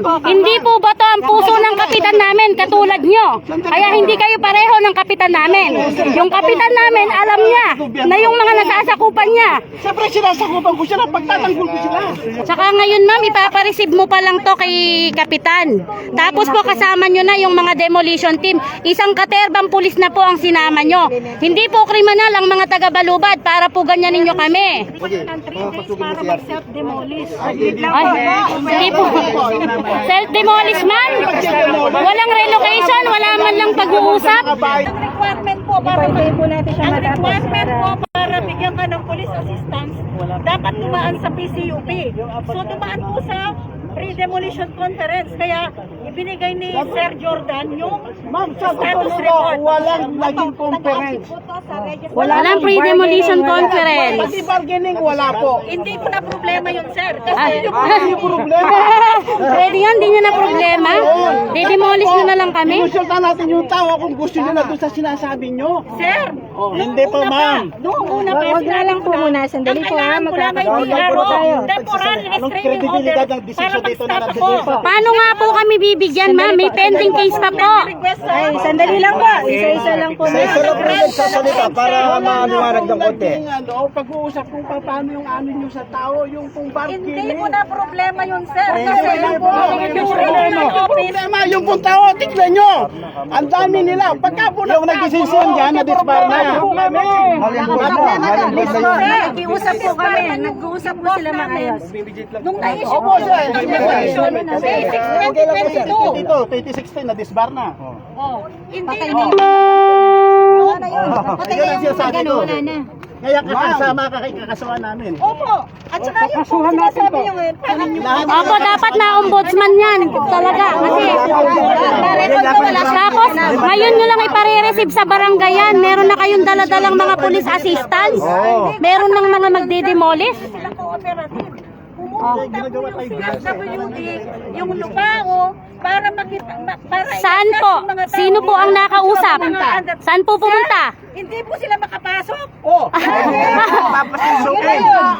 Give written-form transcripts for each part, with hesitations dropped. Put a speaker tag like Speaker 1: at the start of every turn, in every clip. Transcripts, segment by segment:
Speaker 1: hindi po ba to ang puso ng kapitan namin katulad nyo? Kaya hindi kayo pareho ng kapitan namin. Yung kapitan namin, alam niya na yung mga nasasakupan niya.
Speaker 2: Siyempre sinasakupan ko sila, pagtatanggol ko sila.
Speaker 1: Tsaka ngayon ma'am, ipapareceive mo pa lang to kay kapitan. Tapos po kasama nyo na yung mga demolition team. Isang katerbang pulis na po ang sinama nyo. Hindi po kriminal ang mga taga-Balubad para po ganyanin nyo kami. Ay, hindi po. Self-demolish man? Walang relocation, wala man lang pag-uusap.
Speaker 3: Ang requirement po para bigyan ka ng police assistance, dapat dumaan sa PCUP. So dumaan po sa pre-demolition conference. Kaya ibinigay ni Sir Jordan yung status report.
Speaker 2: Walang naging conference.
Speaker 1: Walang pre-demolition conference.
Speaker 2: Pati bargaining, wala po.
Speaker 3: Hindi ko na problema yun, sir. Kasi
Speaker 2: Hindi problema.
Speaker 1: Pwede yan, hindi nyo na problema. Didemolish nyo na lang kami.
Speaker 2: Inusulta natin yung tao kung gusto nila doon sa sinasabi nyo.
Speaker 3: sir,
Speaker 2: Hindi po, ma'am.
Speaker 3: noong una pa,
Speaker 4: Wag na lang po muna, sandali po ha,
Speaker 3: temporary restraining order para mag-stop ako.
Speaker 1: Paano nga po kami bibigyan, ma'am? May pending case pa po.
Speaker 4: Ay, sandali lang po. Isa-isa lang po.
Speaker 5: Nagsasalita para maliwanag ng konti.
Speaker 2: Pag-uusap kung paano yung ano nyo sa tao, yung kung
Speaker 3: Hindi
Speaker 2: bargaining.
Speaker 3: ko na problema yun, sir.
Speaker 2: Ay,
Speaker 3: Kasi
Speaker 2: wala po.
Speaker 3: yung regional office,
Speaker 2: Problema, yung kung tao, tignan nyo. Ang dami nila. Pagka po
Speaker 5: Yung nagdesisyon dyan, na-disbar na.
Speaker 4: Nag-iusap po kami. Nag-uusap po sila maayos.
Speaker 3: nung na-issue
Speaker 2: Opo,
Speaker 3: ko
Speaker 2: sir.
Speaker 3: yung demolition, May 2022.
Speaker 2: Dito, 2016, na-disbar na.
Speaker 3: Oh, hindi
Speaker 2: Ayun ang sinasabi ko. Kaya kakasama ka kay kakasuhan namin.
Speaker 3: Opo. At saka yung po sinasabi nyo ngayon, parang yung
Speaker 1: Opo, dapat na ombudsman yan. Talaga. Kasi, tapos, ngayon nyo lang ipare-receive sa barangay yan. Meron na kayong daladalang mga police assistance. Meron ng mga magdidemolish.
Speaker 3: silang cooperative. Pumunta po yung CFWD, yung Lupao, para makita, para
Speaker 1: Saan
Speaker 3: i-assess
Speaker 1: po?
Speaker 3: yung mga tao
Speaker 1: Sino po ang
Speaker 3: dito,
Speaker 1: nakausap?
Speaker 3: yung mga under-
Speaker 1: Saan po pumunta?
Speaker 3: Hindi po sila makapasok.
Speaker 2: Oh! Papasukin!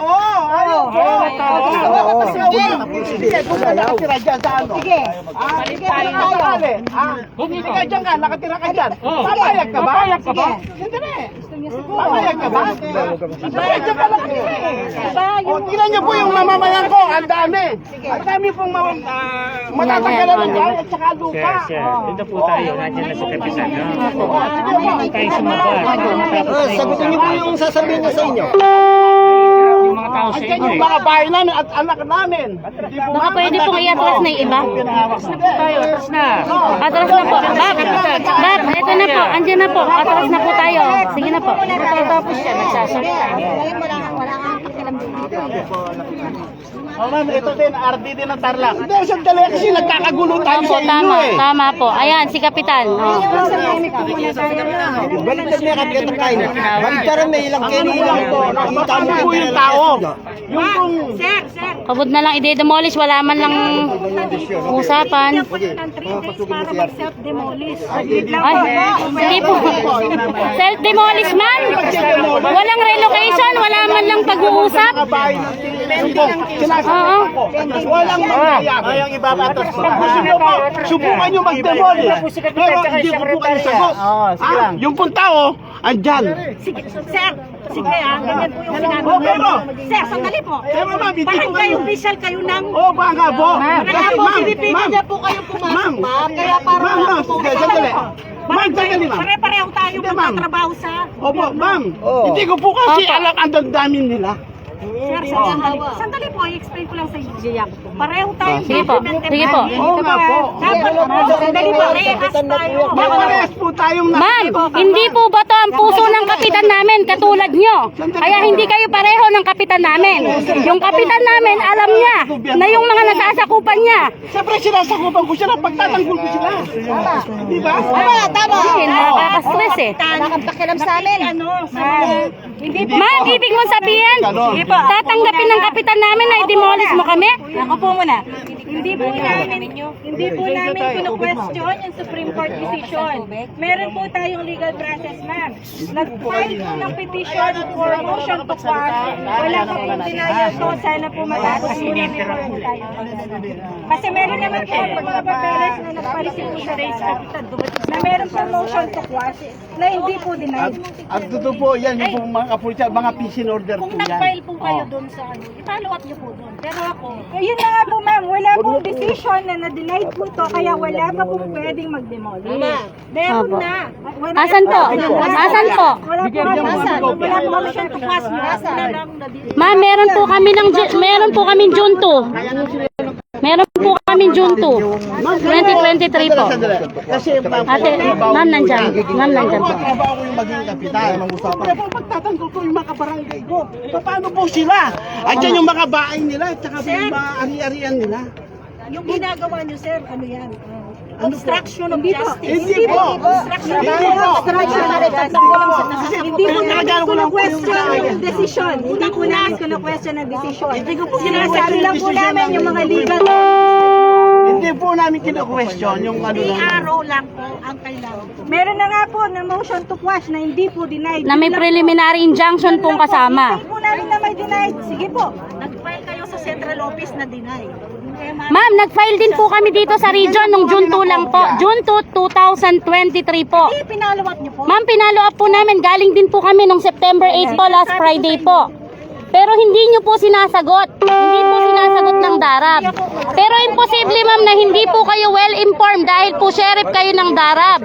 Speaker 2: Sige, kung ka nakatira dyan sa ano? Sige. Sige, hindi ka dyan ka, nakatira ka dyan. Papayag ka ba? Papayag ka ba? Sandali. Papayag ka ba? Papayag ka ba lang O, tingnan niyo po yung mamamayan ko, ang dami. Ang dami pong matatanggalan ng dahil at saka lupa.
Speaker 6: Dito po tayo, nandiyan na sa kapitan. Tayo sumabat.
Speaker 5: Sagutin niyo po yung sasabihin niya sa inyo.
Speaker 6: Yung mga tao sa
Speaker 2: Andiyan
Speaker 6: inyo
Speaker 2: yung mga bahay namin at anak namin. Hindi po
Speaker 1: Baka pwede pong i-atras na yung iba.
Speaker 6: tayo, tapos na.
Speaker 1: Atras na po. Bab, eto na po. Andiyan na po. Atras na po tayo. Sige na po.
Speaker 6: Tapos siya, nagsasalita.
Speaker 2: Oh, ma'am, ito din, RD din ng Tarlac. Hindi, sandali kasi nagkakagulo tayo
Speaker 1: Opo,
Speaker 2: sa inyo
Speaker 1: tama.
Speaker 2: eh.
Speaker 1: Tama po. Ayan, si Kapitan. Oh.
Speaker 5: Baliktad niya katgatang kain. Baliktaran may ilang kain ilang po. Nakita mo
Speaker 2: po yung tao. Yung kung...
Speaker 1: Pagod na lang i-demolish. Wala man lang usapan.
Speaker 3: para mag-self-demolish.
Speaker 1: Ay, hindi po. Self-demolish man? Walang relocation. Wala man lang pag-uusap.
Speaker 2: Kabahay ng Pilipino. Sinasabi ko. Walang mangyayari.
Speaker 5: Ay, ang ibabatas.
Speaker 2: Pag gusto nyo po, subukan nyo mag-demolish. Pero hindi ko po kayo sagot. Yung pong tao, andyan.
Speaker 3: Sige, sir. Sige ganyan po yung sinabi
Speaker 2: Oh,
Speaker 3: niyo.
Speaker 2: pero...
Speaker 3: Sir, sandali po.
Speaker 2: Pero ma'am, hindi ko
Speaker 3: Barangay
Speaker 2: kayo...
Speaker 3: official kayo ng...
Speaker 2: Oh, baka po.
Speaker 3: Kaya po, pinipilit niya po kayo pumasok, ma'am. Kaya para
Speaker 2: Ma'am, sige, sandali. Ma'am, sandali, ma'am.
Speaker 3: Pare-pareho tayo
Speaker 2: Hindi, ma'am.
Speaker 3: magtatrabaho sa...
Speaker 2: Opo, ma'am. Hindi ko po kasi alam ang damdamin nila.
Speaker 3: Sir, sandali po, i-explain ko lang sa inyo. Pareho tayo.
Speaker 1: Sige po. Sige po.
Speaker 2: Oo nga po.
Speaker 3: Dapat po, sandali po, rehas tayo.
Speaker 2: Mapares po tayong
Speaker 1: Ma'am, hindi po ba to ang puso ng kapitan namin katulad nyo? Kaya hindi kayo pareho ng kapitan namin. Yung kapitan namin, alam niya na yung mga nasasakupan niya.
Speaker 2: Siyempre sinasakupan ko sila, pagtatanggol ko sila. Di ba?
Speaker 3: Tama.
Speaker 1: Kasi nakaka-stress eh.
Speaker 3: Nakakapakiram sa amin.
Speaker 1: Ma'am, ibig mong sabihin, tatanggapin ng kapitan namin na i-demolish mo kami?
Speaker 3: Ako po muna. Hindi po namin kino-question yung Supreme Court decision. Meron po tayong legal process, ma'am. Nag-file po ng petition for motion to quash. Wala pa pong denial, so sana po matapos muna po tayo. Kasi meron naman po mga papeles na nagpa-receive po sa race capital na meron po motion to quash na hindi po denied.
Speaker 2: Ang totoo po, yan yung pong mga kapulisan, mga peace in order po
Speaker 3: Kung
Speaker 2: yan.
Speaker 3: nag-file po kayo doon sa ano, i-follow up niyo po doon. Pero ako,
Speaker 4: Yun na nga po ma'am, wala pong decision na na-deny po to, kaya wala pa pong pwedeng mag-demolish.
Speaker 3: meron
Speaker 1: Opo.
Speaker 3: na.
Speaker 1: Asan po? Asan po?
Speaker 4: Wala po
Speaker 3: Wala po motion to quash mo.
Speaker 1: Ma'am, meron po kami meron po kaming June 2. Meron po kaming June 2. 2023 po.
Speaker 2: Kasi
Speaker 1: Ate, ma'am nandyan. Ma'am nandyan po.
Speaker 2: trabaho ko yung maging kapitan. Pero po pagtatanggol ko yung mga kabarangay ko, paano po sila? Andiyan yung mga bahay nila, at saka yung mga ari-arian nila.
Speaker 3: Yung ginagawa niyo, sir, ano yan? Obstruction of justice.
Speaker 2: Hindi po.
Speaker 3: Obstruction of
Speaker 2: Hindi po.
Speaker 4: Hindi po namin
Speaker 2: Nagagawa ko lang po yung
Speaker 4: question
Speaker 2: bahay.
Speaker 4: yung decision. Hindi po namin question ang decision.
Speaker 2: Hindi ko po
Speaker 4: Sinasabi lang po namin yung mga legal.
Speaker 2: Hindi po namin kino-question yung ano lang.
Speaker 3: PRO lang po ang kailangan.
Speaker 4: Meron na nga po na motion to quash na hindi po denied.
Speaker 1: Na may preliminary injunction pong kasama.
Speaker 4: Hindi po namin na may denied. Sige po.
Speaker 3: Nag-file kayo sa central office na deny.
Speaker 1: Ma'am, nag-file din po kami dito sa region nung June 2 lang po. June 2, 2023 po.
Speaker 3: Eh, pinalo up niyo po.
Speaker 1: Ma'am, pinalo up po namin. Galing din po kami nung September 8 po, last Friday po. Pero hindi nyo po sinasagot. Hindi po sinasagot ng DARAB. Pero imposible ma'am na hindi po kayo well informed dahil po sheriff kayo ng DARAB.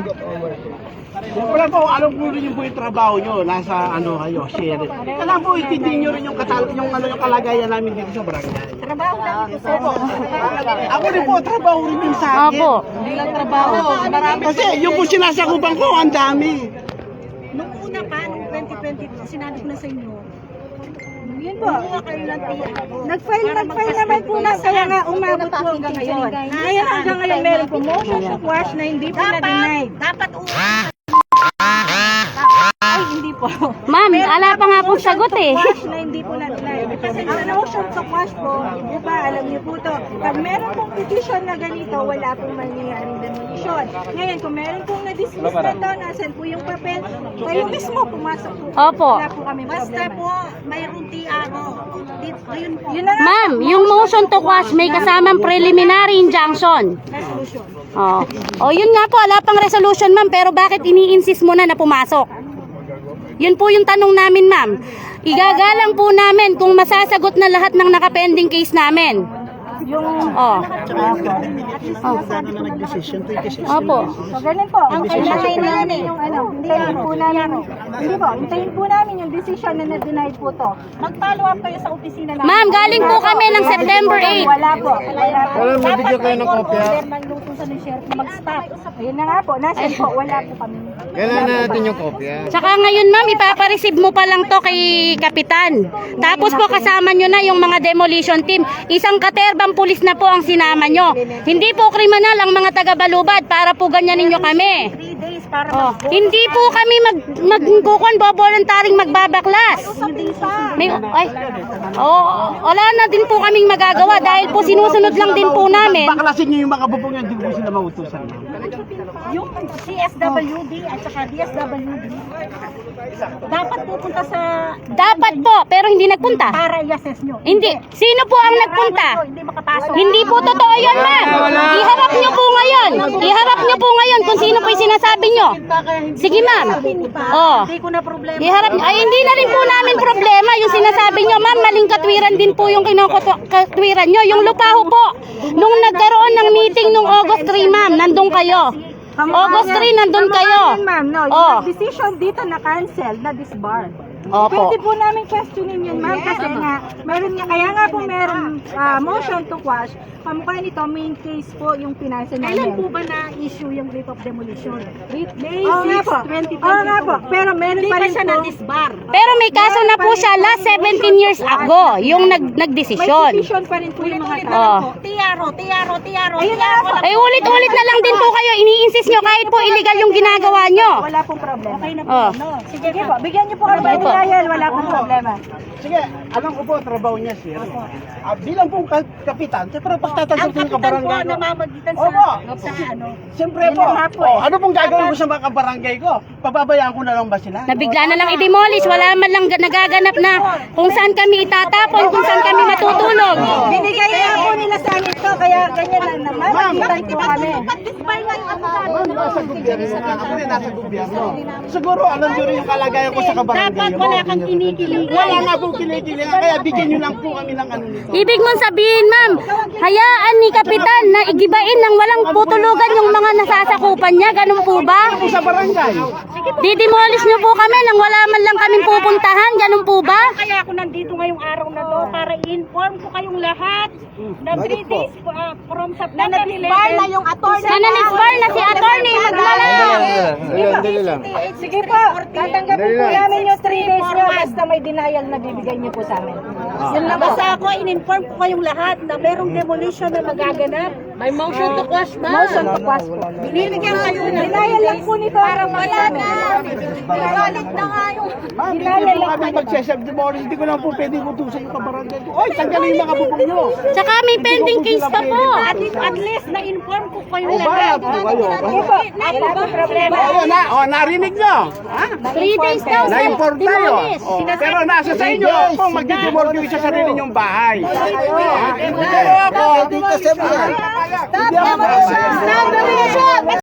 Speaker 2: Wala po, alam po rin yung po yung trabaho nyo, nasa ano kayo, sheriff. Alam po, itindihin nyo rin yung, yung kalagayan namin dito sa barangay.
Speaker 3: Trabaho lang ito, sir.
Speaker 2: Ako rin po, trabaho rin din sa akin.
Speaker 1: Opo.
Speaker 3: Hindi lang trabaho. Marami.
Speaker 2: Kasi yung po sinasakupan ko, ang dami.
Speaker 3: Nung una pa, nung 2020, sinabi ko na sa inyo,
Speaker 4: Yun po.
Speaker 3: kumuha kayo ng PRO.
Speaker 4: Nag-file naman po na kaya nga umabot po hanggang ngayon. Ngayon hanggang ngayon meron po motion to quash na hindi po na-denied.
Speaker 3: Dapat
Speaker 4: Ay, hindi po.
Speaker 1: Ma'am, ala pa nga pong sagot eh.
Speaker 4: Quash na hindi po na-denied. Kasi ang motion to quash po, di ba, alam niyo po to, pag meron pong petition na ganito, wala pong mangyayaring demolition. Ngayon, kung meron pong na-dismiss na to, nasan po yung papel, kayo mismo pumasok po.
Speaker 1: Opo.
Speaker 4: Wala po kami
Speaker 3: basta
Speaker 4: problema.
Speaker 3: po, mayroong TRO. Ayun po.
Speaker 4: Yun na nga
Speaker 1: Ma'am, yung motion to quash may kasamang preliminary injunction.
Speaker 4: resolution.
Speaker 1: Oh. Oh, yun nga po, ala pang resolution ma'am, pero bakit ini-insist mo na pumasok? Yun po yung tanong namin ma'am. Igagalang po namin kung masasagot na lahat ng nakapending case namin.
Speaker 4: Yung
Speaker 1: Oh. Opo.
Speaker 4: So, ganun po. Ang hintayin namin yung ano, hintayin po namin. Hindi po, hintayin po namin yung decision na na-denied po to.
Speaker 3: Mag-follow up kayo sa opisina namin.
Speaker 1: Ma'am, galing po kami ng September 8.
Speaker 4: Wala po. Wala po.
Speaker 3: Dapat kayo ng kopya. Ng luto sa sheriff na mag-stop.
Speaker 4: Ayun na nga po, nasan po, wala po kami.
Speaker 5: Kailangan natin yung kopya.
Speaker 1: Tsaka ngayon ma'am, ipapareceive mo pa lang to kay Kapitan. Tapos po kasama nyo na yung mga demolition team. Isang katerbang pulis na po ang sinama nyo. Hindi po kriminal ang mga taga-Balubad para po ganyanin nyo kami.
Speaker 3: 3 days para
Speaker 1: Oh, hindi po kami voluntaring magbabaklas.
Speaker 3: Hindi pa.
Speaker 1: May, ay, oh, wala na din po kaming magagawa dahil po sinusunod lang din po namin.
Speaker 2: Baklasin nyo yung mga bubong yan, hindi po sila mautusan.
Speaker 3: Yung CSWD at saka DSWD, dapat pupunta sa
Speaker 1: Dapat po, pero hindi nagpunta.
Speaker 3: para i-assess nyo.
Speaker 1: Hindi. Sino po ang nagpunta?
Speaker 3: Hindi makapasok.
Speaker 1: Hindi po totoo yun, ma'am. Iharap nyo po ngayon. Iharap nyo po ngayon kung sino po yung sinasabi nyo. Sige, ma'am. Oh.
Speaker 3: Hindi ko na problema.
Speaker 1: Iharap, ay hindi na rin po namin problema yung sinasabi nyo, ma'am. Maling katwiran din po yung kinokatwiran nyo. Yung lupaho po, nung nagkaroon ng meeting nung August 3, ma'am, nandun kayo. August 3, nandun kayo.
Speaker 4: Ma'am, no,
Speaker 1: Oh.
Speaker 4: yung decision dito na cancel, na disbar.
Speaker 1: Opo.
Speaker 4: Pwede po namin questionin yun, ma'am, kasi nga, meron nga, kaya nga po meron motion to quash. Kamukha nito, main case po yung pinasa
Speaker 3: Kailan po
Speaker 4: namin.
Speaker 3: ba na-issue yung writ of demolition?
Speaker 4: May
Speaker 3: Oo nga
Speaker 4: 6,
Speaker 3: po.
Speaker 4: 2022. Oo nga po, pero meron
Speaker 3: Hindi
Speaker 4: pa
Speaker 3: pa
Speaker 4: rin
Speaker 3: siya
Speaker 4: po.
Speaker 3: na-disbar.
Speaker 1: Pero may kaso na po siya last 17 years ago, yung
Speaker 4: May
Speaker 1: nagdesisyon.
Speaker 4: decision pa rin po yung mga
Speaker 3: Ulit-ulit
Speaker 4: tao.
Speaker 3: na
Speaker 1: Oh.
Speaker 3: lang po. TRO.
Speaker 4: Ayun na nga po.
Speaker 1: Ay ulit-ulit na lang din po kayo, ini-insist nyo kahit po illegal yung ginagawa nyo.
Speaker 4: Wala pong problema.
Speaker 3: Okay na po.
Speaker 1: Oh.
Speaker 3: No?
Speaker 4: Sige po, bigyan niyo po kami
Speaker 1: Okay po.
Speaker 4: denial, wala pong problema.
Speaker 2: Sige, alam ko po ang trabaho niya, sir. Bilang pong kapitan, siyempre pagtatanggap ko yung kabarangay ko.
Speaker 3: namamagitan
Speaker 2: Opo.
Speaker 3: sa ano.
Speaker 2: Siyempre po. Ano pong gagawin ko sa mga kabarangay ko? Pababayaan ko na lang ba sila?
Speaker 1: Nabigla na lang i-demolish, wala man lang nagaganap na kung saan kami itatapon, kung saan kami matutulog.
Speaker 4: Binigay na po nila sa amin to, kaya ganyan lang naman. Magitan po kami.
Speaker 2: Ma'am, nasa gobyerno ka. Ako rin nasa gobyerno. Siguro alam nyo rin yung kalagayan ko sa kabarangay.
Speaker 3: Dapat wala kang kinikilingan.
Speaker 2: Wala nga pong kinikilingan, kaya bigyan nyo lang po kami ng ano nito.
Speaker 1: Ibig mong sabihin, ma'am, hayaan ni Kapitan na igibain ng walang putulugan yung mga nasasakupan niya, ganun po ba?
Speaker 2: Ako sa barangay.
Speaker 1: Didemolish niyo po kami nang wala man lang kaming pupuntahan, ganun po ba?
Speaker 3: Kaya ako nandito ngayong araw na to para i-inform ko kayong lahat na 3 days from September 11.
Speaker 4: Na yung attorney.
Speaker 1: Nananisbar na si attorney, maglala.
Speaker 4: Sige po, tatanggapin po namin yung 3 days nyo basta may denial na bibigay niyo po sa amin.
Speaker 3: Basta ako, in-inform ko kayong lahat na merong demolition na magaganap. May motion to quash na.
Speaker 4: Motion to quash po.
Speaker 3: Binibigyan kayo na
Speaker 4: Denial lang po nito. Parang wala na.
Speaker 3: Galit na nga yung
Speaker 2: Ma'am, hindi po kami mag-self-demolish. Hindi ko lang po pwedeng utusan yung kabarangay ko. Oy, tanggalin yung mga bubong nyo.
Speaker 1: Tsaka may pending case pa po.
Speaker 3: at least na-inform ko kayong
Speaker 2: O,
Speaker 3: lahat.
Speaker 2: bayad po kayo.
Speaker 4: Sige po, wala po problema.
Speaker 2: Narinig nyo. Ha?
Speaker 1: 3 days daw, sir.
Speaker 2: Na-import tayo.
Speaker 1: Demolish.
Speaker 2: Pero nasa sa inyo kung mag-demolish nyo sa sarili nyong bahay. Pero ako,
Speaker 5: Dito sa mga.
Speaker 2: hindi ako